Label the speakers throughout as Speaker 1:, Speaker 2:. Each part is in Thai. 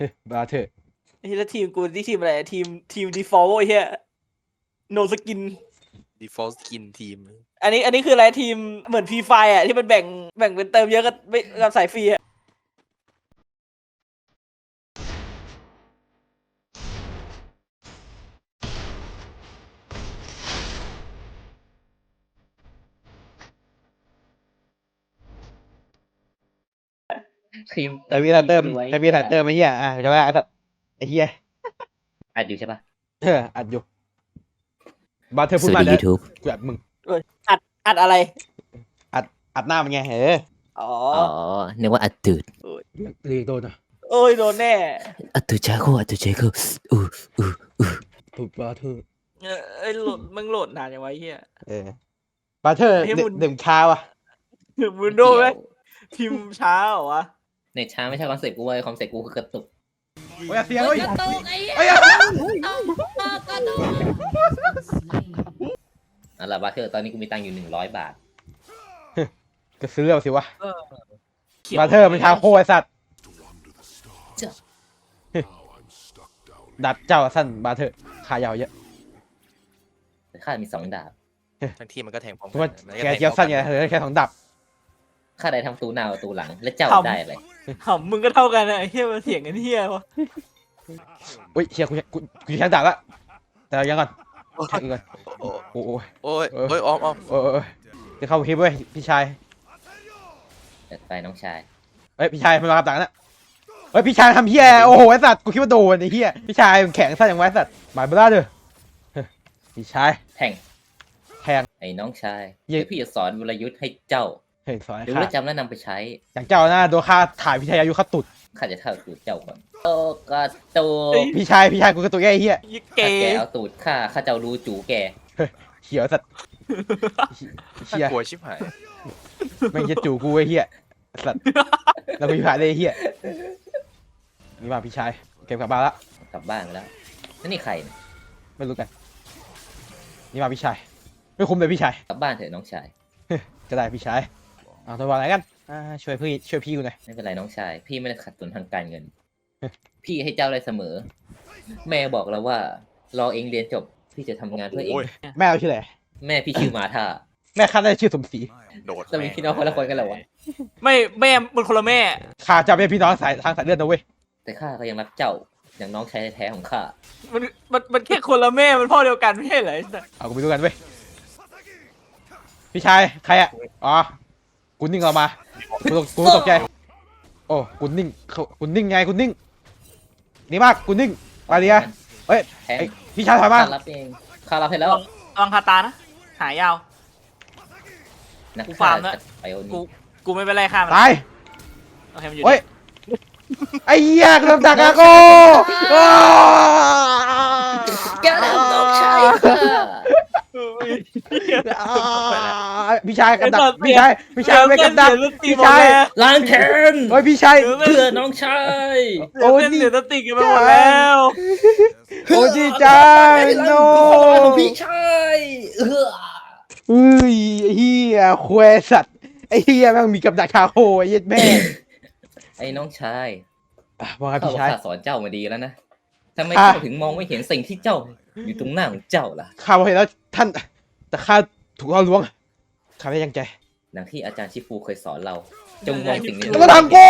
Speaker 1: บาเธอร์
Speaker 2: ไอ้แล้วทีมกูที่ทีมอะไรทีมดีฟอลต์ไอ้เหี้ยโนสกิน
Speaker 3: default skin ทีม
Speaker 2: อันนี้คืออะไรทีมเหมือนฟรีไฟอ่ะที่มันแบ่งเป็นเติมเยอะกับไม่กับสายฟรีอ่ะ
Speaker 4: ทีม
Speaker 1: แต่พี่ทันเติมแต่พี่ทันเติมไอ้เหี้ยจะว่าไอ้เหี้ย
Speaker 4: อัดอยู่ใช่ปะ
Speaker 1: อัดอยู่บาเธอร์พู
Speaker 4: ส
Speaker 1: ด
Speaker 4: วั
Speaker 1: มา
Speaker 4: สดี
Speaker 1: แล้ว
Speaker 4: YouTube
Speaker 1: กูอัดมึง
Speaker 2: อัดอะไร
Speaker 1: อัดหน้ามันไง
Speaker 2: อ๋อ
Speaker 4: อ๋อนึกว่าอัดตืด
Speaker 1: เรียกโดนนะ
Speaker 2: โอ้ยโดนแน่
Speaker 4: อัดตืดจ้าโคอัดตืดเจโคอู้
Speaker 1: ถูกบาเธอร์
Speaker 2: ไอ้โหลดมึงโหลดนานยังไงเฮีย
Speaker 1: บาเธอร์
Speaker 2: ให้มึง
Speaker 1: ดื่มข้าวอ่ะ
Speaker 2: มึงโดนไหมทีมช้าเหรอวะ
Speaker 4: ในช้าไม่ใช่คอนเซ็ปต์กูเว้ยคอนเซ็ปต์กูคือกระตุก
Speaker 1: โอ้ยเสียงเฮ้ย
Speaker 5: กระตุกไอ้เหี้ย
Speaker 1: เฮ้ย
Speaker 5: กระตุก
Speaker 4: นั่นแหละบาเทอร์ตอนนี้กูมีตังค์อยู่100 บาท
Speaker 1: ก็ซื้อเอาสิวะ
Speaker 2: ขียว
Speaker 1: บาเธอร์มันทางโคไอสัตว์
Speaker 4: จ้ะ
Speaker 1: ดัดเจ้าสั้นบาเธอร์ขายาวเยอะ
Speaker 4: แต่ข้ามี2 ดาบ
Speaker 3: ทั้งทีมมันก็แทงพร้อม
Speaker 1: เพราะว่า
Speaker 3: มัน
Speaker 1: แกเจียวสั้นไงแค่2 ดับ
Speaker 4: ข้าได้ทั้งตูหน้าประตูหลัง และเจ้าได้อะไร
Speaker 2: หำมึงก็เท่ากันนะไอ้เฮียมันเถียงกันเฮียวะ
Speaker 1: อุ้ยเชียกูแข่งดับละแต่ยังก่อนแข่งก่อนโอ้ย
Speaker 3: โอ้ยโอ้ยอ้อม
Speaker 1: โอ้ยจะเข้าคลิปเว้ยพี่ชาย
Speaker 4: จัดไปน้องชาย
Speaker 1: เฮ้ยพี่ชายมันมากับตังค์นะเฮ้ยพี่ชายทำเฮียโอ้โหไอสัตว์กูคิดว่าโดนไอ้เฮียพี่ชายมันแข็งสั้นอย่างไว้สัตว์หมายเบล่าเด้อพี่ชาย
Speaker 4: แทง
Speaker 1: แทง
Speaker 4: ไอ้น้องชาย
Speaker 1: เย้
Speaker 4: เดี๋ยวพี่จะสอนวรยุทธ์ให้เจ้า
Speaker 1: เฮ้ยสอน
Speaker 4: ดู
Speaker 1: ข้า
Speaker 4: แลวจำและนำไปใช้
Speaker 1: อย่างเจ้าหน้าโดนข้าถ่ายพี่ชายอายุข้าตุด
Speaker 4: ข้าจะเท่าตูดเจ้าก่อนโอ้กระตูก
Speaker 1: พี่ชายกูกระตุกแย่ไอ้เฮีย
Speaker 2: ยี่เก
Speaker 4: ถ้าแก
Speaker 2: ย์
Speaker 4: เอาตูดข้าจะเอารูจูแก
Speaker 1: เขียวสัตว์
Speaker 3: ๆ
Speaker 1: เฮีย
Speaker 3: กลัวชิบหาย
Speaker 1: แม่งจะจู่กูไอ้เฮียสัตว์แล้วกูผ่านได้ไอ้เฮียนี่มาพี่ชายเก็บกลับบ้านละ
Speaker 4: กลับบ้านไปแล้วนี่ใครเนี่ย
Speaker 1: ไม่รู้กันนี่มาพี่ชายไม่คุ้มเลยพี่ชาย
Speaker 4: กลับบ้านเถอะน้องชาย
Speaker 1: ก็ได้พี่ชายเอาตัววางไหนกันช่วยพี่กูหน่อย
Speaker 4: ไม่เป็นไรน้องชาย พี่ไม่ได้ขัดสนทางการเงิน พี่ให้เจ้าได้เสมอ แม่บอกแล้วว่ารอเองเรียนจบ พี่จะทำงานเพื่อเอง
Speaker 3: โอ้ย
Speaker 1: แม่เราชื่ออะไร
Speaker 4: แม่พี่ชื่อมาธา
Speaker 1: แม่ข้าได้ชื่อสมศรี
Speaker 3: โดด
Speaker 4: เรามีพี่น้องคนละคนกันเหรอวะ
Speaker 2: ไม่แม่มันคนละแม่
Speaker 1: ข้าจะเป็นพี่น้องทางสายเลือดนะเว้ย
Speaker 4: แต่ข้าก็ยังรักเจ้าอย่างน้องชายแท้ๆของข้า
Speaker 2: มันแค่คนละแม่มันพ่อเดียวกันไม่ใช่เหรอไอ้สัส
Speaker 1: เอากูไปดูกันเว้ยพี่ชายใครอ่ะอ๋อกูนิ่งออกมากูตกใจโอ้กูนิ่งไงกูนิ่งนี่มากกูนิ่งมาเรียเฮ้ย
Speaker 4: แทง
Speaker 1: ไอ้พี่ชายถอยมา
Speaker 4: ข้ารับเองข้ารับให้แล้ว
Speaker 2: ลองคาตานะหายาว
Speaker 4: นัก
Speaker 2: กู
Speaker 4: ฆ่า
Speaker 2: ฟาร์มแล้ว
Speaker 4: ไปโอ
Speaker 2: กู
Speaker 4: นี้
Speaker 2: กูไม่เป็นไรค่ะมัน
Speaker 1: ตาย
Speaker 2: โอเคมันอยู่
Speaker 1: เฮ้ยไอ้เหี้ยกำลังดักอาโก
Speaker 4: แกทำน้องชายข้า
Speaker 1: พี่ชายกับดักพี่ชายไม่กับดักพี่ชาย
Speaker 4: ล้างแค้น
Speaker 1: เฮ้ยพี่ชาย
Speaker 4: เพื่อน้องชาย
Speaker 1: โอ้
Speaker 2: โอ้
Speaker 1: ย
Speaker 2: ย
Speaker 1: นี่
Speaker 2: เสียสติกันไปหมดแล้ว
Speaker 1: โอ้ดีจังโน
Speaker 4: ของพี่ชาย
Speaker 1: อุ้ยไอ้เหี้ยควยสัตว์ไอ้เหี้ยแม่งมีกับดักคาโคไอ้เหี้ยแม่
Speaker 4: ไอ้น้องชาย
Speaker 1: ว่าไง
Speaker 4: ข้า
Speaker 1: พี่ชาย
Speaker 4: สอนเจ้ามาดีแล้วนะทำไม
Speaker 1: อ่ะ
Speaker 4: เจ้าถึงมองไม่เห็นสิ่งที่เจ้าอยู่ตรงหน้าของเจ้าล่ะ
Speaker 1: ข้าบอกเห็นแล้วท่านแต่ข้าถูกล่อลวงข้าไม่ยังใจ
Speaker 4: ดังที่อาจารย์ชิฟูเคยสอนเรา จงมองสิ่งนี้
Speaker 1: แล้วก็ทำกู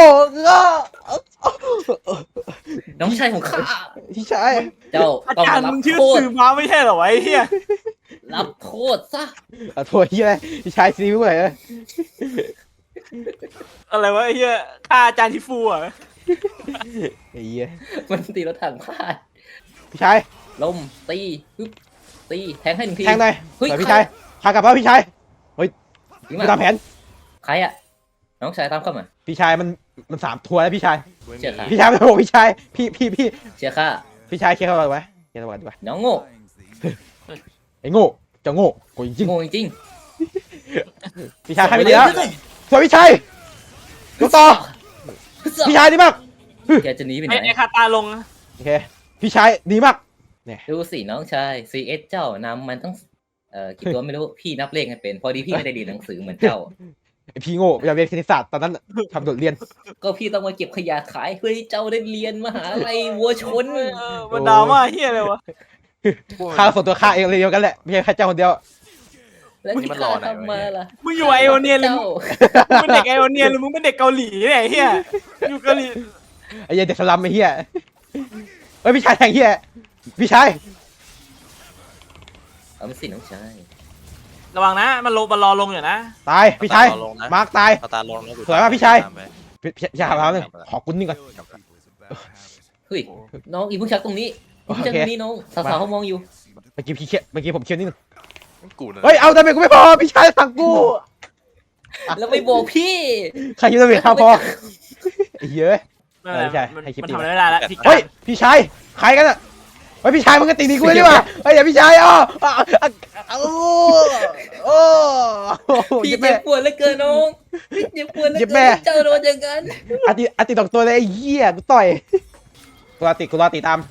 Speaker 4: น้องชายของข้า
Speaker 1: พี่ชาย
Speaker 4: เจ้า
Speaker 2: อา
Speaker 4: ต้อง
Speaker 2: จารย์
Speaker 4: รับ
Speaker 2: มึงชื่อ
Speaker 4: โทษ
Speaker 2: สื่อม้าไม่ใช่เหรอวะไอ้เหี้ย
Speaker 4: รับโทษซะ
Speaker 1: เอาโทษเหี้ยอะไรพี่ชายซีไม่ไหวเลย
Speaker 2: อะไรวะไอ้เหี้ยฆ่าอาจารย์ทิฟูอ่ะ
Speaker 1: ไอ้เหี้ย
Speaker 4: มันตีรถถังพลาด
Speaker 1: พี่ชาย
Speaker 4: ลมตีปึ๊บตีแทงให้1 ที
Speaker 1: แทงหน่อย
Speaker 4: เฮ้ย
Speaker 1: สวยพี่ชายพากลับแล้วพี่ชาย
Speaker 4: ยิง
Speaker 1: ไป
Speaker 4: มา
Speaker 1: ตามแผน
Speaker 4: ใครอะน้องชายตามเข้ามา
Speaker 1: พี่ชายมัน3 ทัวร์แล้วพี่ชาย
Speaker 3: กูไม่
Speaker 4: เชื่อค่ะ
Speaker 3: มี
Speaker 1: พี่ชายไม่ต้องบอกพี่ชายพี่
Speaker 4: เชียร์ข้า
Speaker 1: พี่ชายเคลียร์เขาไว้เคลียร์เขาไว้
Speaker 4: น้องโง่
Speaker 1: ไอ้โง่เจะโง่กูจริง
Speaker 4: โง่จริง
Speaker 1: ๆพี่ชายให้ไม่ดีแล้วสวยพี่ชายยกต่อพี่ชายดีมาก
Speaker 4: แกจะหนีไปไหน
Speaker 2: ไอ้คาตาลง
Speaker 1: โอเคพี่ชายดีมาก
Speaker 4: ดูสิน้องชาย CS เจ้านำมันต้องกี่ตัวไม่รู้พี่นับเลขให้เป็น พอดีพี่ไม่ได้เรียนหนังสือเหมือนเจ้า
Speaker 1: ไอพี่โง่อยากเรียนคณิตศาสตร์ตอนนั้นน่ะทำโดดเรียน
Speaker 4: ก็พี่ต้องมาเก็บขยะขายเพื่อให้เจ้าได้เรียนมหาลัยวัวชน
Speaker 2: มันดราม่าเฮียอะไรวะ
Speaker 1: ข้าส่วนตัวข้าเองเลยเดียวกันแหละไม่ใช่แค่เจ้าคนเดียว
Speaker 4: แล้วที่ข้าทำมาล่ะ
Speaker 2: มึงอยู่ไอโอเนียนหรือ
Speaker 4: เจ้า
Speaker 2: มึงเป็นเด็กไอโอเนียนหรือมึงเป็นเด็กเกาหลีเนี่ยไอ้เฮียอยู่เกาหลี
Speaker 1: ไอ้เหี้ยเด็กสลัมไอ้เหี้ยเฮ้ยพี่ชายแทงเหี้ยพี่ชาย
Speaker 4: เอาไม่สิน้องชาย
Speaker 2: ระวังนะมันรอลงอยู่นะ
Speaker 1: ตายพี่ชายมาร์คตาย
Speaker 3: เอาตาลงนะ
Speaker 1: สวยมากพี่ชาย
Speaker 3: ตมไป
Speaker 1: พี่ชายครับเลยขอกุนนี่ก่อน
Speaker 4: เฮ้ยน้องอีผู้ชักตรงนี้อีผู้ชักตรงนี้น้องสาวๆเขามองอยู่
Speaker 1: เมื่อกี้พี่เคียเมื่อกี้ผมเคียวนิดนึง
Speaker 3: กูนะ
Speaker 1: เฮ้ยเอาทำไมกูไม่พอพี่ชายสั่งกู
Speaker 4: แล้วไม่บอกพี่
Speaker 1: ใครคิดว่าเบียข้าวพอไอ้เหี้ย
Speaker 2: ไม่เป็นไร
Speaker 1: ใช่
Speaker 2: มัน
Speaker 1: ให้คลิป
Speaker 2: มัน
Speaker 1: ดี
Speaker 2: ทำอะไรไม่ได้แล้วพี่
Speaker 1: เฮ้ยพี่ชายใครกันอ่ะเฮ้ยพี่ชายมึงก็ตีดีกูเลยดีกว่าเฮ้ยอย่าพี่ชายอ๋อโอ้
Speaker 4: พี่
Speaker 1: ยิบ
Speaker 4: เจ็
Speaker 1: แม่
Speaker 4: บปวดเหลือเกินน้องพี่เจ็บปวดเหลือ
Speaker 1: เจ็บ
Speaker 4: เกิ
Speaker 1: แม่
Speaker 4: นเจ้าโดนอย่างนั้น
Speaker 1: อาติตกตัวเลยไอ้เหี้ยกูต่อยกูรอติตาม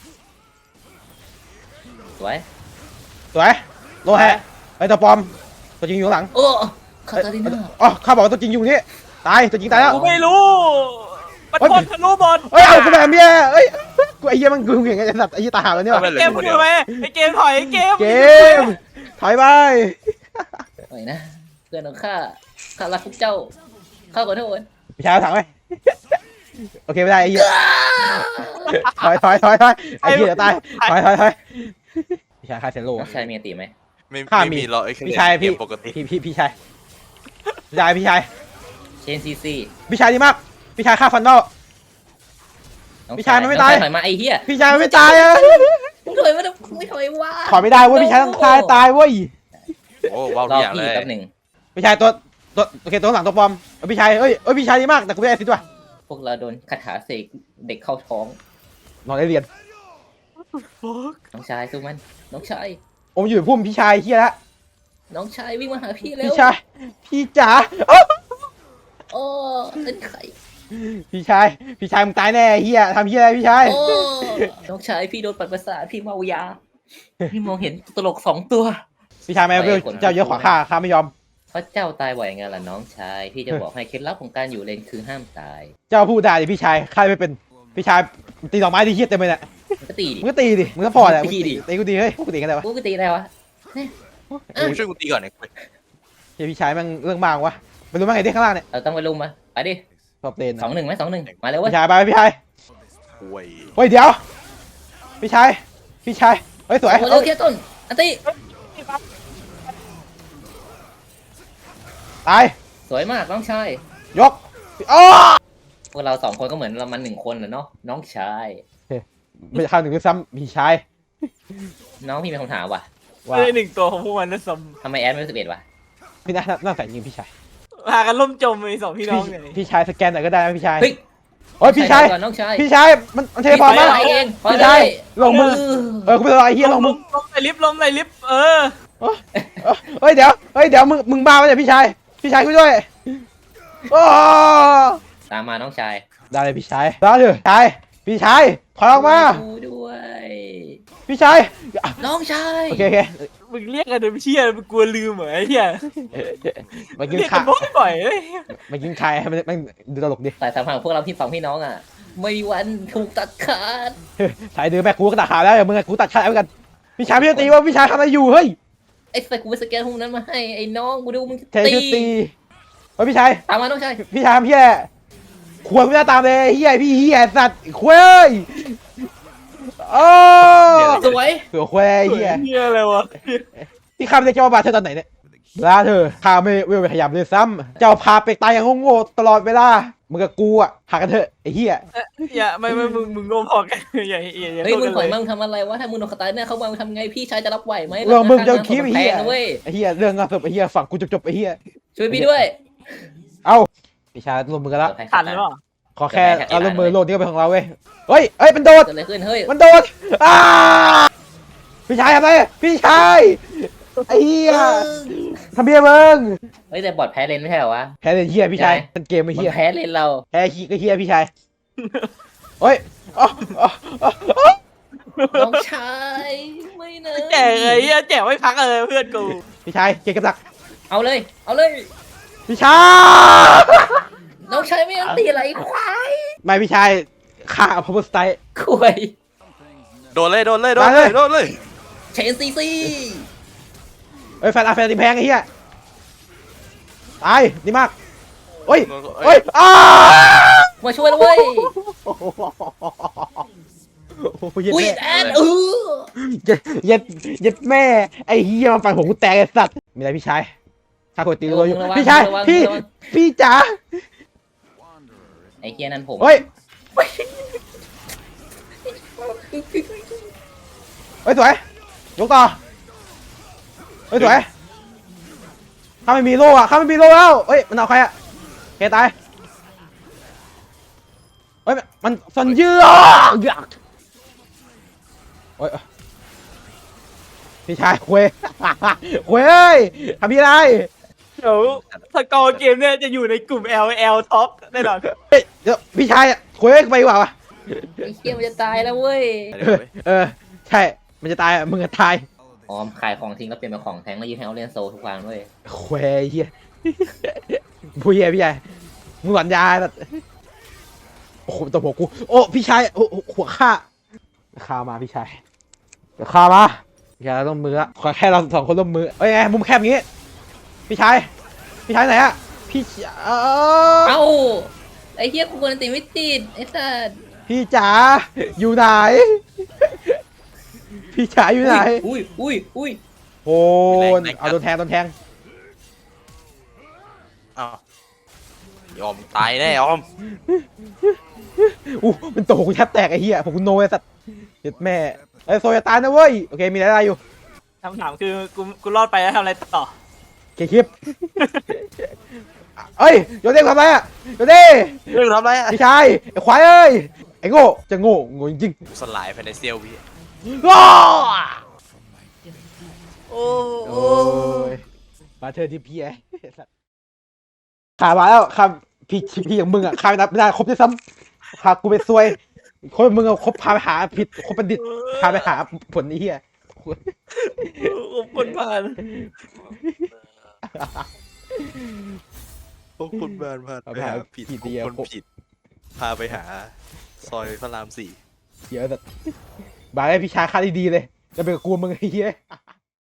Speaker 4: สวย
Speaker 1: สวยโลแฮะไอ้ตัวปลอมตัวจริงอยู่ข้างหลัง
Speaker 4: โอ้คาตาลิน่า
Speaker 1: อ๋อข้าบอกว่าตัวจริงอยู่นี่ตายตัวจริงตายแล้ว
Speaker 2: กูไม่รู้มัน
Speaker 1: เฮ้ย
Speaker 2: พดทะลุบอล
Speaker 1: เฮ้ยเอากูแบบเมียเอ้ยกูไอ้เหี้ยมันกูอย่างเงี้ยไอ้สัตว์ไอ้เหี้ยตาหาแล้วเนี่ย
Speaker 2: เกมคือไหมไอเกมถอยไอเกม
Speaker 1: เกมถอยไป
Speaker 4: หน่อยนะเพื่อนของข้ารักพวกเจ้าข้าขอโทษ
Speaker 1: พี่ชายเอาถังไหมโอเคไม่ได้ไอ้เหี้ยถอยไอ้เหี้ยเดี๋ยวตายถอยพี่ชายคาเซโร่
Speaker 4: น้องชายมีอติไหม
Speaker 3: ไม่
Speaker 1: ข้ามี
Speaker 3: มีหรอกไอ้
Speaker 1: พี่ชายพี่
Speaker 3: เกมปกติ
Speaker 1: พี่ชายพี่ชาย
Speaker 4: เชนซีซี
Speaker 1: พี่ชายดีมากพี่ชายฆ่าฟันนอล
Speaker 4: น้อง
Speaker 1: พี่ชายมันไม่ตาย
Speaker 4: น้องถอยมาไอ้เหี้ย
Speaker 1: พี่ชายมันไม่ตายอะ
Speaker 4: มึงถอยมาไม่ถอยว่า
Speaker 1: ถอยไม่ได้เว้ยพี่ชายต้องตายเว้ย
Speaker 3: โอ้ว้าว
Speaker 4: ร
Speaker 3: ทุ
Speaker 4: อก
Speaker 3: อย่าง
Speaker 4: พี่
Speaker 3: เลย
Speaker 4: แป๊บหนึ่ง
Speaker 1: พี่ชายตัวโอเคตัวข้างหลังตัวปลอมพี่ชายเอ้ยพี่ชายดีมากแต่กูไม่ได้สิด้วย
Speaker 4: พวกเราโดนคาถาเสกเด็กเข้าท้อง
Speaker 1: นอนได้เรียน
Speaker 4: น้องชายสู้มันน้องชาย
Speaker 1: โอมอยู่พุ่มพี่ชายเฮียละ
Speaker 4: น้องชายวิ่งมาหาพี่เร็
Speaker 1: พี่
Speaker 4: ว
Speaker 1: ชายพี่จ๋าเอ้า
Speaker 4: โอ้เป็นไข่
Speaker 1: พี่ชายมึงตายแน่เฮียทำเฮียอะไรพี่ชาย
Speaker 4: โอ้น้องชายพี่โดนปัดประสาทพี่เมายาพี่มองเห็นตลก2 ตัว
Speaker 1: พี่ชายไม่เอาเจ้าเยอะขวาข้าไม่ยอม
Speaker 4: เพราะเจ้าตายบ่อยไงล่ะน้องชายพี่จะบอกให้เคล็ดลับของการอยู่เลนคือห้ามตาย
Speaker 1: เจ้าพูดได้ดิพี่ชายข้าไม่เป็นพี่ชายตีดอกไม้ดีเฮียเต็มเลยเนี่ย
Speaker 4: มันก็ตีดิ
Speaker 1: มึงก็ตีดิมึงก็พอแหละ
Speaker 4: ตีดิ
Speaker 1: ตีกูดีเฮ้ยกูตีกันได้วะ
Speaker 4: กูก็ตีได้วะ
Speaker 3: มึงช่วยกูตีก่อนหน่อย
Speaker 1: เฮียพี่ชายแม่งเรื่องมากวะไปรู้มั้งไงที่ข้างล่างเนี่ย
Speaker 4: เราต้องไปลุมมาไปดิ
Speaker 1: ชอบเต้น
Speaker 4: 2-1ไหม2-1มาเลยเว้ย
Speaker 1: พี่ชายไปพี่ชาย
Speaker 3: โอ้ย
Speaker 1: เฮ้ยเดี๋ยวพี่ชายเฮ้ยสวย
Speaker 4: โอ้เร็วแค่ต้นอันตี
Speaker 1: ตาย
Speaker 4: สวยมากน้องชาย
Speaker 1: ยกอ้อ
Speaker 4: พวกเรา2 คนก็เหมือนเรามัน1 คนแหละเนาะน้องชาย
Speaker 1: ไม่ข้าวหนึ่งด้วยซ้ำพี่ชาย
Speaker 4: น้องพี่มีคำถามว่ะ
Speaker 1: ว่า
Speaker 2: ไม่ได้หนึ่งตัวของพวกมันนะสม
Speaker 4: ทำไมแอดไม่11วะ
Speaker 1: พี่น่าใส่ยิงพี่ชาย
Speaker 2: พากันล่มจมไปสองพี่น้องเนี่ย
Speaker 1: พี่ชายสแกนหน่อยก็ได้นะพี่ชาย
Speaker 4: เฮ้ย
Speaker 1: โอ้ยพี่ชาย
Speaker 4: ก่อนน้องชาย
Speaker 1: พี่ชายมันเทพอมา
Speaker 4: ไปเองพอ
Speaker 1: พี่
Speaker 4: เล
Speaker 1: ชาย
Speaker 4: ย
Speaker 1: ลงมือกูเป็นอะไรเฮียลงมือ
Speaker 2: ลมใส่ลิฟต์ลมใส่ลิฟต์
Speaker 1: เฮ้ยเดี๋ยวมึงบ้าไปเนี่ยพี่ชายกูด้วยโอ้
Speaker 4: ตามมาน้องชาย
Speaker 1: ได้เลยพี่ชายได้เลยพี่ชายถอยออกมา
Speaker 4: ดูด้วย
Speaker 1: พี่ชาย
Speaker 4: น้องชาย
Speaker 1: โอเค
Speaker 2: มึงเรียกกันเดิมเชี่ยมึงกลัวลืมเหรอไอ้เหี้ย
Speaker 1: มากิน
Speaker 2: เรียก
Speaker 1: ขา
Speaker 2: กันบ่อยๆเอ้ย
Speaker 1: มากินคายให้มันดูตลกดิ
Speaker 4: สายสัมพันธ์ของพวกเราพี่น้องอ่ะ ไม่มีวันถูกตัดขาด
Speaker 1: สายดื้อแม่กูก็ตัดขาแล้วมึงกูตัดขาแล้วกันพี่ชายพี่จะตีว่าพี่ชายทำอะไรอยู่เฮ้ย
Speaker 4: ไอ้สกูไปสแกนพวกนั้นมาให้ไอ้น้องกูดูมึง
Speaker 1: เทคือตีเฮ้ยพี่ชาย
Speaker 4: ตามมาน้องชาย
Speaker 1: พี่ชายทำเฮียควรไม่ได้ตามเลยเฮียพี่เฮียสัตว์ควายโอ้
Speaker 4: สวย
Speaker 1: เสือควายเฮีย
Speaker 2: เหี้ยอะไรวะ
Speaker 1: ที่ข้าไม่ได้เจ้าบาเธอตอนไหนเนี่ยลาเธอข้าไม่เวลไปขยับเลยซ้ำเจ้าพาไปตายอย่างโง่ๆตลอดเวลามึงกับกูอ่ะหากันเถอะไอ้เฮีย
Speaker 2: อย่าไม่มึงโง่พอกันอย่า
Speaker 4: เฮ้ย
Speaker 2: โท
Speaker 4: มึ
Speaker 2: ษ
Speaker 4: ง
Speaker 2: กัน
Speaker 4: ถอย
Speaker 2: เล
Speaker 4: มามึงทำอะไรวะถ้ามึงโดนคาตายเนี่ยเขามามึงทำไงพี่ชายจะรับไหวไหม
Speaker 1: เรื่องมึงจะคิดไอ้
Speaker 4: แพ
Speaker 1: เฮีย
Speaker 4: งนะเว้ย
Speaker 1: ไอ้เฮียเรื่องงานศพไอ้เฮียฝั่งกูจบไอ้เฮีย
Speaker 4: ช่วยพี่ด้วย
Speaker 1: เอ้าพี่ชายรวมมือกันละ
Speaker 2: ทันหรือเปล่า
Speaker 1: ขอแค่เอารวมมือโลดนี้ก็เป็นของเราเว้ยเฮ้ยมันโดด
Speaker 4: เกิดอะไรขึ้นเฮ้ย
Speaker 1: มันโดดอ้าพี่ชายทำไมพี่ชายไอ้เฮียทำเบี้ยมึง
Speaker 4: เฮ้ยแต่บอดแพ้เลนไม่ใช่เหรอวะ
Speaker 1: แพ้เลยเฮียพี่ชายเป็นเกมไอ้
Speaker 4: บอ
Speaker 1: เฮีย
Speaker 4: ดแพ้เลนเรา
Speaker 1: แพ้ขี้ก็เฮียพี่ชายเฮ้ยอ๋อ
Speaker 4: น้องชายไม่นะ
Speaker 2: แจกไอ้เหี้ยแจกไม่พักเลยเพื่อนกู
Speaker 1: พี่ชายเกมกับดัก
Speaker 4: เอาเลย เอาเลย
Speaker 1: พพี่ชาย
Speaker 4: น้องชายไม่ยังตีอะไรควาย
Speaker 1: ไม่พี่ชายฆ่าพาวเวอร์สไตล์
Speaker 4: ควาย
Speaker 3: โดนเลย
Speaker 4: เชนซีซี
Speaker 1: เอ้ยแฟนตีแพงไอ้เหี้ยตายดีมากเฮ้ยเฮ้ยอ้า
Speaker 4: มาช่วยแล้วเว้ย
Speaker 1: โอ้โหเย็ด
Speaker 4: อุ้ย
Speaker 1: แม่
Speaker 4: แอน
Speaker 1: เย็ดแม่ไอ้เหี้ยมาฟันผมกูแตกไอ้สัตว์มีอะไรพี่ชายข้าคนตีตัวอยู่
Speaker 4: ระวัง
Speaker 1: พี่ชาย
Speaker 4: ระวัง
Speaker 1: พี่
Speaker 4: ระวัง
Speaker 1: พี่จ๋า
Speaker 4: ไอ้เฮียนั่นผม
Speaker 1: เฮ้ยเฮ้ยสวยยกต่อเฮ้ยสวยข้าไม่มีโล่อะข้าไม่มีโล่แล้วเฮ้ยมันเอาใครอะเคตายเฮ้ยมันสันเยือกโอ้ยพี่ชายคุยคุยเอ้ยทำพี่อะไร
Speaker 2: เดี๋ยวสกอร์เกมเนี่ยจะอยู่ในกลุ่ม LL Top แน่นอน
Speaker 1: เฮ้ยเดี๋ยวพี่ชายอะคุยไปดีกว่าวะ
Speaker 4: ไอ้เฮียมันจะตายแล้วเว้ย
Speaker 1: ใช่มันจะตายอะมึงจะตาย
Speaker 4: ออมขายของทิ้งแล้วเปลี่ยนเป็นของแทงแล้วยืนให้เอาเล่นโซทุกวันเว้ย
Speaker 1: คุยเฮียผู้เฮียพี่ชายมึงหลอนยาแบบโอ้โหตัวหัวกูโอ้พี่ชายโอ้หัวข้าข้ามาพี่ชายเดี๋ยวข้ามาพี่ชายเราต้องมือละขอแค่เราสองคนร่วมมือเอ้ยไงมุมแคบอย่างงี้พี่ชายไหนอะพี่
Speaker 4: เอ้าไอ้เฮียกูกวนตีไม่ติดไอ้สัส
Speaker 1: พี่จ๋าอยู่ไหนพี่จ๋าอยู่ไหน
Speaker 4: อุ้ย
Speaker 1: โอ้เอาโดนแทง
Speaker 3: อ้าวยอมตายแน่ยอม
Speaker 1: มันโตกูแทบแตกไอ้เหี้ยผมกูโนไอ้สัตว์เจ็ดแม่ไอ้โซยาตายนะเว้ยโอเคมีอะไรอยู่
Speaker 2: คำถามคือกูรอดไปแล้วทำอะไรต่อ
Speaker 1: เคคลิปเอ้ยโยเด้ทำไรอะโยเด้
Speaker 3: เรื่องทำไรอ่ะ
Speaker 1: พี่ชายไอ้ควายเอ้ยไอ้โง่จะโง่จริง
Speaker 3: สลายภายในเซียววิ
Speaker 1: ๆว้า
Speaker 2: โอ้
Speaker 1: โอ้ยมาเธอที่พี่ไอ้สัตว์ขามาแล้วครับพี่อย่างมึงอะขาไม่ได้ครบด้วยซ้ำพากูไปซวยคนมึงอะคบพาไปหาผิดคบบัณฑิตพาไปหาผลไอ้เหี้ย
Speaker 2: คนผ่าน
Speaker 3: พวกคุณบ้านพาไปหาผิดคนผิด พาไปหาซอยพระราม 4
Speaker 1: เหี้ยอะแต่บายให้พี่ชายค่าดีๆเลยจะเป็นกับกูมึงไอ้เหี้ย